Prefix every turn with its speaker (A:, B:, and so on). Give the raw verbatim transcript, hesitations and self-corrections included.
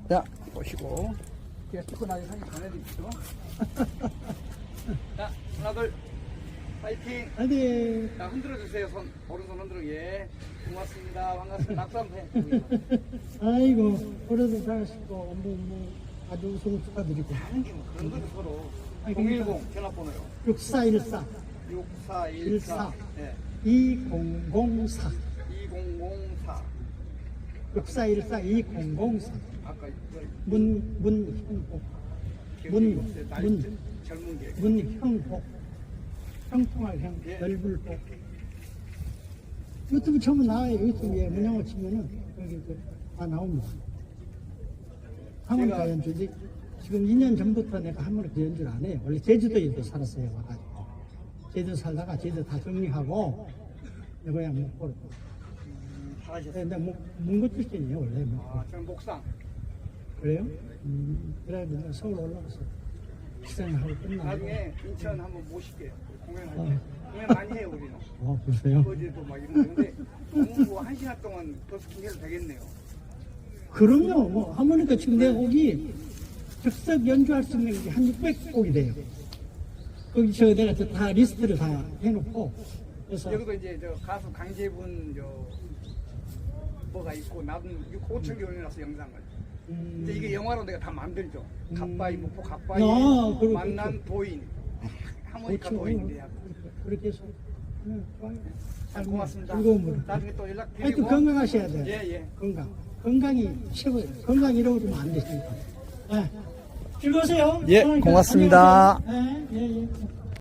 A: 자, 보시고. 제가 찍고 나서 사진 전해드릴게요. 자, 하나, 둘, 파이팅!
B: 어디?
A: 자, 흔들어주세요. 손, 오른손 흔들어. 예. 고맙습니다. 반갑습니다. 낙수 한번 해.
B: 아이고, 올해도 잘하시고, 뭐, 뭐, 아주 우승 축하드리고.
A: 하는 게 뭐 그런 거죠, 서로.
B: 아니,
A: 공일공 전화번호요.
B: 육사일사,
A: 육사일사. 네.
B: 이공공사.
A: 이공공사.
B: 육사일사, 이공공사.
A: 아까 그
B: 문, 문형복. 문, 문,
A: 젊은 게.
B: 문형복. 형통할 형,
A: 예.
B: 넓을 복. 유튜브 처음 나와요. 유튜브에 문영호 치면은, 여기 그, 다 나옵니다. 하모니카
A: 제가-
B: 연주지. 지금 이 년 전부터 내가 하모니카 연주를 안 해요. 원래 제주도에도 살았어요. 와가지고. 제주도 살다가 제주도 다 정리하고, 내 고향 목포로.
A: 음, 잘하셨어요.
B: 근데 목, 문고 출신이에요, 원래. 목포.
A: 아, 저는 목상.
B: 그래요? 음, 그래, 내가 서울 올라가서 식사하고 끝나고.
A: 나중에 인천 한번 모실게요. 공연할 때.
B: 어.
A: 공연 많이 해요, 우리는.
B: 어, 그러세요?
A: 어제도 막 이런 거. 근데 너무 뭐한 시간 동안 버스킹 해도 되겠네요.
B: 그럼요. 뭐 하모니카 지금 내 곡이 즉석 연주할 수 있는 게 한 육백 곡이 돼요. 거기 저 내가 저다 리스트를 다 해놓고 그래서
A: 여기도 이제 저 가수 강재분 저 뭐가 있고 나도 오천 개 올려놨어 영상을.
B: 음,
A: 근데 이게 영화로 내가 다 만들죠.
B: 음.
A: 갓바이 목포 갓바이
B: 아, 그렇-
A: 만난
B: 그렇죠.
A: 도인 하모니카
B: 그렇죠.
A: 도인인데 하고.
B: 그렇게 해서 네, 좋아요.
A: 참 고맙습니다.
B: 즐거움으로.
A: 나중에 또 연락
B: 하여튼
A: 드리고.
B: 건강하셔야 돼요.
A: 예, 예.
B: 건강. 건강이 최고예요. 건강 잃어버리면 안 되시니까. 네. 즐거우세요.
A: 예,
B: 건강히
A: 고맙습니다.
B: 안녕하세요. 네, 예, 예.